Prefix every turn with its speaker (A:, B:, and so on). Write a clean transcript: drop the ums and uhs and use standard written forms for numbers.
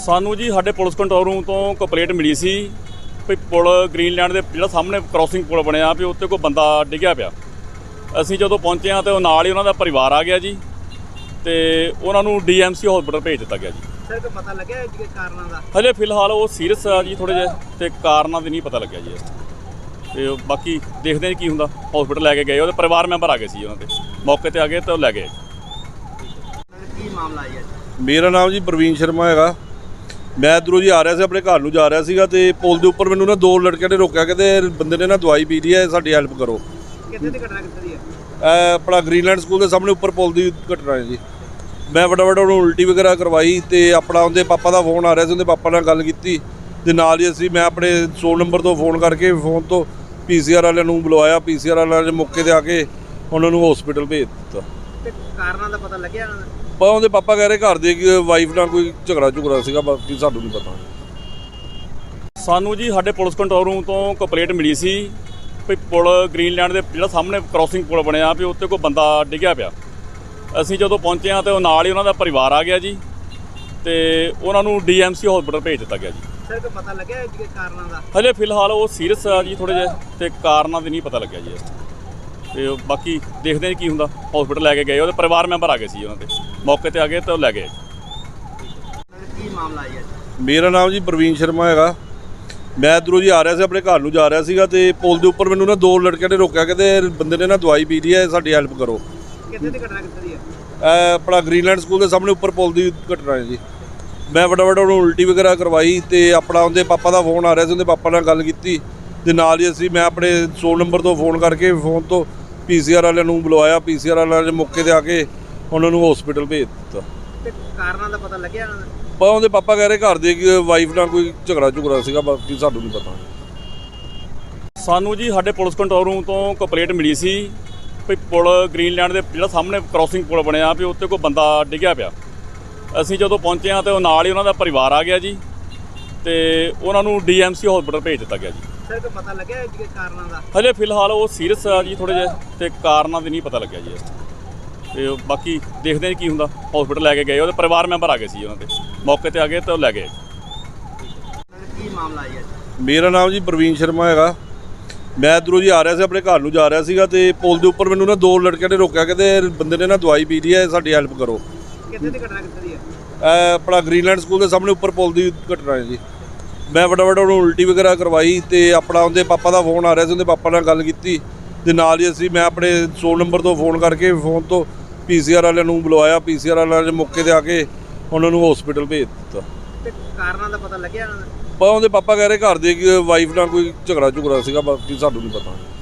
A: ਸਾਨੂੰ ਜੀ ਸਾਡੇ ਪੁਲਿਸ ਕੰਟਰੋਲ ਰੂਮ ਤੋਂ ਕੰਪਲੇਂਟ ਮਿਲੀ ਸੀ ਵੀ ਪੁਲ ਗ੍ਰੀਨਲੈਂਡ ਦੇ ਜਿਹੜਾ ਸਾਹਮਣੇ ਕ੍ਰਾਸਿੰਗ ਪੁਲ ਬਣਿਆ ਵੀ ਉੱਤੇ ਕੋਈ ਬੰਦਾ ਡਿੱਗਿਆ ਪਿਆ। ਅਸੀਂ ਜਦੋਂ ਪਹੁੰਚੇ ਹਾਂ ਤੇ ਉਹ ਨਾਲ ਹੀ ਉਹਨਾਂ ਦਾ ਪਰਿਵਾਰ ਆ ਗਿਆ ਜੀ ਤੇ ਉਹਨਾਂ ਨੂੰ ਡੀਐਮਸੀ ਹਸਪੀਟਲ ਭੇਜ ਦਿੱਤਾ ਗਿਆ ਜੀ।
B: ਸਰ ਕੋਈ ਪਤਾ ਲੱਗਿਆ ਜੀ ਕਾਰਨਾਂ ਦਾ?
A: ਹਜੇ ਫਿਲਹਾਲ ਉਹ ਸੀਰੀਅਸ ਆ ਜੀ ਥੋੜ੍ਹੇ ਜਿਹੇ ਤੇ ਕਾਰਨਾਂ ਦੀ ਨਹੀਂ ਪਤਾ ਲੱਗਿਆ ਜੀ। ਤੇ ਬਾਕੀ ਦੇਖਦੇ ਹਾਂ ਕੀ ਹੁੰਦਾ। ਹਸਪੀਟਲ ਲੈ ਕੇ ਗਏ, ਉਹਦੇ ਪਰਿਵਾਰ ਮੈਂਬਰ ਆ ਗਏ ਸੀ, ਉਹਨਾਂ ਦੇ ਮੌਕੇ ਤੇ ਆ ਗਏ ਤੇ ਉਹ ਲੈ ਗਏ।
B: ਕੀ ਮਾਮਲਾ ਹੈ ਜੀ?
C: ਮੇਰਾ ਨਾਮ ਜੀ ਪ੍ਰਵੀਨ ਸ਼ਰਮਾ ਹੈਗਾ। ਮੈਂ ਇੱਧਰੋਂ ਜੀ ਆ ਰਿਹਾ ਸੀ, ਆਪਣੇ ਘਰ ਨੂੰ ਜਾ ਰਿਹਾ ਸੀਗਾ ਤੇ ਪੁਲ ਦੇ ਉੱਪਰ ਮੈਨੂੰ ਨਾ ਦੋ ਲੜਕਿਆਂ ਨੇ ਰੋਕਿਆ, ਕਹਿੰਦੇ ਬੰਦੇ ਨੇ ਨਾ ਦਵਾਈ ਪੀ ਲਈ ਹੈ, ਸਾਡੀ ਹੈਲਪ ਕਰੋ।
B: ਕਿੱਥੇ ਦੀ ਘਟਨਾ ਕਿੱਥੇ ਦੀ ਹੈ?
C: ਆਪਣਾ ਗ੍ਰੀਨਲੈਂਡ ਸਕੂਲ ਦੇ ਸਾਹਮਣੇ ਉੱਪਰ ਪੁਲ ਦੀ ਘਟਨਾ ਹੈ ਜੀ। ਮੈਂ ਫਟਾਫਟ ਉਹਨੂੰ ਉਲਟੀ ਵਗੈਰਾ ਕਰਵਾਈ ਤੇ ਆਪਣਾ ਉਹਦੇ ਪਾਪਾ ਦਾ ਫੋਨ ਆ ਰਿਹਾ ਸੀ, ਉਹਦੇ ਪਾਪਾ ਨਾਲ ਗੱਲ ਕੀਤੀ ਤੇ ਨਾਲ ਹੀ ਮੈਂ ਆਪਣੇ 100 ਨੰਬਰ ਤੋਂ ਫੋਨ ਕਰਕੇ ਫੋਨ ਤੋਂ ਪੀਸੀਆਰ ਵਾਲਿਆਂ ਨੂੰ ਬੁਲਵਾਇਆ। ਪੀਸੀਆਰ ਵਾਲਿਆਂ ਨੇ ਮੌਕੇ ਤੇ ਆ ਕੇ ਉਹਨਾਂ ਨੂੰ ਹਸਪੀਟਲ ਭੇਜ ਦਿੱਤਾ।
B: ਤੇ ਕਾਰਨਾਂ ਦਾ ਪਤਾ ਲੱਗਿਆ?
C: ਪਰ ਉਹਦੇ ਪਾਪਾ ਕਹਿ ਰਹੇ ਘਰ ਦੇ ਵਾਈਫ ਨਾਲ ਕੋਈ ਝਗੜਾ ਸੀਗਾ, ਬਾਕੀ ਸਾਨੂੰ ਨਹੀਂ ਪਤਾ।
A: ਸਾਨੂੰ ਜੀ ਸਾਡੇ ਪੁਲਿਸ ਕੰਟਰੋਲ ਰੂਮ ਤੋਂ ਕੰਪਲੇਂਟ ਮਿਲੀ ਸੀ ਵੀ ਪੁਲ ਗ੍ਰੀਨਲੈਂਡ ਦੇ ਜਿਹੜਾ ਸਾਹਮਣੇ ਕ੍ਰਾਸਿੰਗ ਪੁਲ ਬਣਿਆ ਵੀ ਉੱਤੇ ਕੋਈ ਬੰਦਾ ਡਿੱਗਿਆ ਪਿਆ। ਅਸੀਂ ਜਦੋਂ ਪਹੁੰਚੇ ਹਾਂ ਤੇ ਉਹ ਨਾਲ ਹੀ ਉਹਨਾਂ ਦਾ ਪਰਿਵਾਰ ਆ ਗਿਆ ਜੀ ਤੇ ਉਹਨਾਂ ਨੂੰ ਡੀਐਮਸੀ ਹਸਪੀਟਲ ਭੇਜ ਦਿੱਤਾ ਗਿਆ ਜੀ।
B: ਸਰ ਕੋਈ ਪਤਾ ਲੱਗਿਆ ਜੀ ਕਾਰਨਾਂ ਦਾ?
A: ਹਜੇ ਫਿਲਹਾਲ ਉਹ ਸੀਰੀਅਸ ਆ ਜੀ ਥੋੜ੍ਹੇ ਜਿਹੇ ਤੇ ਕਾਰਨਾਂ ਦੀ ਨਹੀਂ ਪਤਾ ਲੱਗਿਆ ਜੀ। ਤੇ ਬਾਕੀ ਦੇਖਦੇ ਹਾਂ ਕੀ ਹੁੰਦਾ। ਹਸਪੀਟਲ ਲੈ ਕੇ ਗਏ, ਉਹਦੇ ਪਰਿਵਾਰ ਮੈਂਬਰ ਆ ਗਏ ਸੀ, ਉਹਨਾਂ ਦੇ ਮੌਕੇ ਤੇ ਆ ਗਏ ਤੇ ਉਹ ਲੈ ਗਏ।
B: ਕੀ ਮਾਮਲਾ ਹੈ ਜੀ?
C: ਮੇਰਾ ਨਾਮ ਜੀ ਪ੍ਰਵੀਨ ਸ਼ਰਮਾ ਹੈਗਾ। ਮੈਂ ਇੱਧਰੋਂ ਜੀ ਆ ਰਿਹਾ ਸੀ, ਆਪਣੇ ਘਰ ਨੂੰ ਜਾ ਰਿਹਾ ਸੀਗਾ ਤੇ ਪੁਲ ਦੇ ਉੱਪਰ ਮੈਨੂੰ ਨਾ ਦੋ ਲੜਕਿਆਂ ਨੇ ਰੋਕਿਆ, ਕਹਿੰਦੇ ਬੰਦੇ ਨੇ ਨਾ ਦਵਾਈ ਪੀ ਲਈ ਹੈ, ਸਾਡੀ ਹੈਲਪ ਕਰੋ।
B: ਕਿੱਥੇ ਦੀ ਘਟਨਾ ਕਿੱਥੇ ਦੀ ਹੈ?
C: ਆਪਣਾ ਗ੍ਰੀਨਲੈਂਡ ਸਕੂਲ ਦੇ ਸਾਹਮਣੇ ਉੱਪਰ ਪੁਲ ਦੀ ਘਟਨਾ ਹੈ ਜੀ। ਮੈਂ ਫਟਾਫਟ ਉਹਨੂੰ ਉਲਟੀ ਵਗੈਰਾ ਕਰਵਾਈ ਤੇ ਆਪਣਾ ਉਹਦੇ ਪਾਪਾ ਦਾ ਫੋਨ ਆ ਰਿਹਾ ਸੀ, ਉਹਦੇ ਪਾਪਾ ਨਾਲ ਗੱਲ ਕੀਤੀ ਤੇ ਨਾਲ ਹੀ ਮੈਂ ਆਪਣੇ 100 ਨੰਬਰ ਤੋਂ ਫੋਨ ਕਰਕੇ ਫੋਨ ਤੋਂ ਪੀਸੀਆਰ ਵਾਲਿਆਂ ਨੂੰ ਬੁਲਵਾਇਆ। ਪੀਸੀਆਰ ਵਾਲਿਆਂ ਨੇ ਮੌਕੇ ਤੇ ਆ ਕੇ ਉਹਨਾਂ ਨੂੰ ਹਸਪੀਟਲ ਭੇਜ ਦਿੱਤਾ।
B: ਤੇ ਕਾਰਨਾਂ ਦਾ ਪਤਾ ਲੱਗਿਆ?
C: ਪਰ ਉਹਦੇ ਪਾਪਾ ਕਹਿ ਰਹੇ ਘਰ ਦੇ ਵਾਈਫ ਨਾਲ ਕੋਈ ਝਗੜਾ ਸੀਗਾ, ਬਾਕੀ ਸਾਨੂੰ ਨਹੀਂ ਪਤਾ।
A: ਸਾਨੂੰ ਜੀ ਸਾਡੇ ਪੁਲਿਸ ਕੰਟਰੋਲ ਰੂਮ ਤੋਂ ਕੰਪਲੇਂਟ ਮਿਲੀ ਸੀ ਵੀ ਪੁਲ ਗ੍ਰੀਨਲੈਂਡ ਦੇ ਜਿਹੜਾ ਸਾਹਮਣੇ ਕ੍ਰਾਸਿੰਗ ਪੁਲ ਬਣਿਆ ਵੀ ਉੱਤੇ ਕੋਈ ਬੰਦਾ ਡਿੱਗਿਆ ਪਿਆ। ਅਸੀਂ ਜਦੋਂ ਪਹੁੰਚੇ ਹਾਂ ਤੇ ਉਹ ਨਾਲ ਹੀ ਉਹਨਾਂ ਦਾ ਪਰਿਵਾਰ ਆ ਗਿਆ ਜੀ ਤੇ ਉਹਨਾਂ ਨੂੰ ਡੀਐਮਸੀ ਹਸਪੀਟਲ ਭੇਜ ਦਿੱਤਾ ਗਿਆ ਜੀ।
B: ਸਰ ਕੋਈ ਪਤਾ ਲੱਗਿਆ ਜੀ ਕਾਰਨਾਂ ਦਾ?
A: ਹਜੇ ਫਿਲਹਾਲ ਉਹ ਸੀਰੀਅਸ ਆ ਜੀ ਥੋੜ੍ਹੇ ਜਿਹੇ ਤੇ ਕਾਰਨਾਂ ਦੀ ਨਹੀਂ ਪਤਾ ਲੱਗਿਆ ਜੀ। ਤੇ ਬਾਕੀ ਦੇਖਦੇ ਹਾਂ ਕੀ ਹੁੰਦਾ। ਹਸਪੀਟਲ ਲੈ ਕੇ ਗਏ, ਉਹਦੇ ਪਰਿਵਾਰ ਮੈਂਬਰ ਆ ਗਏ ਸੀ, ਉਹਨਾਂ ਦੇ ਮੌਕੇ ਤੇ ਆ ਗਏ ਤੇ ਉਹ ਲੈ ਗਏ।
B: ਕੀ ਮਾਮਲਾ ਹੈ ਜੀ?
C: ਮੇਰਾ ਨਾਮ ਜੀ ਪ੍ਰਵੀਨ ਸ਼ਰਮਾ ਹੈਗਾ। ਮੈਂ ਇੱਧਰੋਂ ਜੀ ਆ ਰਿਹਾ ਸੀ, ਆਪਣੇ ਘਰ ਨੂੰ ਜਾ ਰਿਹਾ ਸੀਗਾ ਤੇ ਪੁਲ ਦੇ ਉੱਪਰ ਮੈਨੂੰ ਨਾ ਦੋ ਲੜਕਿਆਂ ਨੇ ਰੋਕਿਆ, ਕਹਿੰਦੇ ਬੰਦੇ ਨੇ ਨਾ ਦਵਾਈ ਪੀ ਲਈ ਹੈ, ਸਾਡੀ ਹੈਲਪ ਕਰੋ।
B: ਕਿੱਥੇ ਦੀ ਘਟਨਾ ਕਿੱਥੇ ਦੀ ਹੈ?
C: ਆਪਣਾ ਗ੍ਰੀਨਲੈਂਡ ਸਕੂਲ ਦੇ ਸਾਹਮਣੇ ਉੱਪਰ ਪੁਲ ਦੀ ਘਟਨਾ ਹੈ ਜੀ। ਮੈਂ ਫਟਾਫਟ ਉਹਨੂੰ ਉਲਟੀ ਵਗੈਰਾ ਕਰਵਾਈ ਤੇ ਆਪਣਾ ਉਹਦੇ ਪਾਪਾ ਦਾ ਫੋਨ ਆ ਰਿਹਾ ਸੀ, ਉਹਦੇ ਪਾਪਾ ਨਾਲ ਗੱਲ ਕੀਤੀ ਤੇ ਨਾਲ ਹੀ ਮੈਂ ਆਪਣੇ 100 ਨੰਬਰ ਤੋਂ ਫੋਨ ਕਰਕੇ ਫੋਨ ਤੋਂ ਪੀਸੀਆਰ ਵਾਲਿਆਂ ਨੂੰ ਬੁਲਵਾਇਆ। ਪੀਸੀਆਰ ਵਾਲਿਆਂ ਨੇ ਮੌਕੇ ਤੇ ਆ ਕੇ ਉਹਨਾਂ ਨੂੰ ਹਸਪੀਟਲ ਭੇਜ ਦਿੱਤਾ।
B: ਤੇ ਕਾਰਨਾਂ ਦਾ ਪਤਾ ਲੱਗਿਆ?
C: ਪਰ ਉਹਦੇ ਪਾਪਾ ਕਹਿ ਰਹੇ ਘਰ ਦੇ ਵਾਈਫ ਨਾਲ ਕੋਈ ਝਗੜਾ ਸੀਗਾ, ਬਾਕੀ ਸਾਨੂੰ ਨਹੀਂ ਪਤਾ।